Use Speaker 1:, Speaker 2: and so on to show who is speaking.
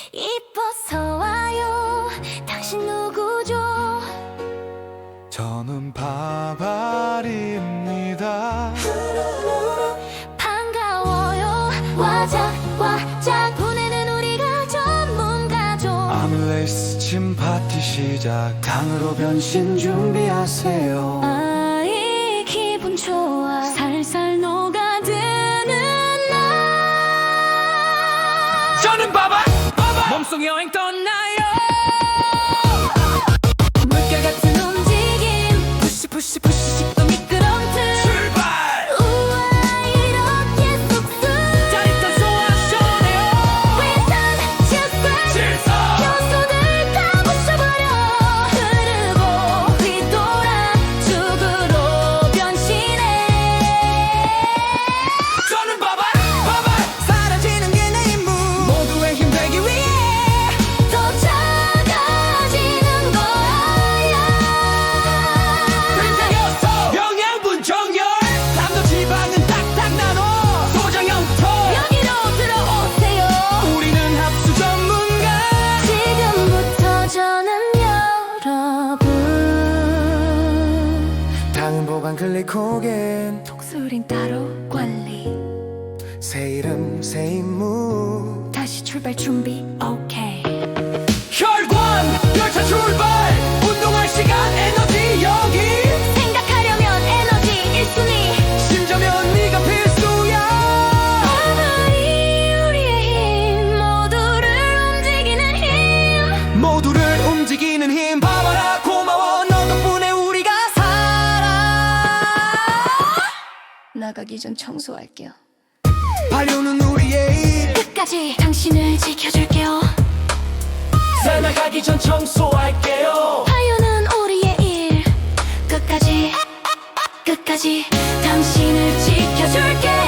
Speaker 1: 이뻐서 와요. 당신 누구죠?
Speaker 2: 저는 바발입니다.
Speaker 1: 반가워요. 와작 보내는 우리가 전문가죠.
Speaker 2: 아무레이스침 파티 시작. 당으로 변신 준비하세요.
Speaker 1: 아이 기분 좋아. 살살 녹아드는 날.
Speaker 3: 저는 바발 몸속 여행 떠나요.
Speaker 1: 물결 같은 움직임. 푸시 식도 미끄럼틀.
Speaker 3: 출발.
Speaker 1: 우와 이렇게 쑥쑥
Speaker 3: 짜릿한 소화쇼네요.
Speaker 1: 회전 즉각
Speaker 3: 질서
Speaker 1: 요소들 다 부숴버려. 흐르고 뒤돌아 죽으로 변신해.
Speaker 3: 저는 바발 사라지는 게 내 임무. 모두의 힘 되기 위해
Speaker 1: 더 작아지는 거야.
Speaker 3: 된장요소 영양분 정열. 담도 지방은 탁탁 나눠. 소장형부터
Speaker 1: 여기로 들어오세요.
Speaker 3: 우리는 합수 전문가.
Speaker 1: 지금부터 저는 여러분.
Speaker 2: 당은 보관 글리코겐.
Speaker 1: 독수린 따로 관리.
Speaker 2: 새 이름 새 임무.
Speaker 1: 다시 출발 준비 오케이.
Speaker 3: 혈관 열차 출발. 운동할 시간 에너지 여기.
Speaker 1: 생각하려면 에너지 1순위.
Speaker 3: 심자면 네가 필수야.
Speaker 1: 바발이 우리의 힘. 모두를 움직이는 힘.
Speaker 3: 모두를 움직이는 힘. 바바라 고마워. 너 덕분에 우리가 살아.
Speaker 1: 나가기 전 청소할게요.
Speaker 3: 발효는 우리의 일.
Speaker 1: 끝까지 당신을 지켜줄게요.
Speaker 3: 살아가기 전 청소할게요.
Speaker 1: 하유는 우리의 일. 끝까지 당신을 지켜줄게요.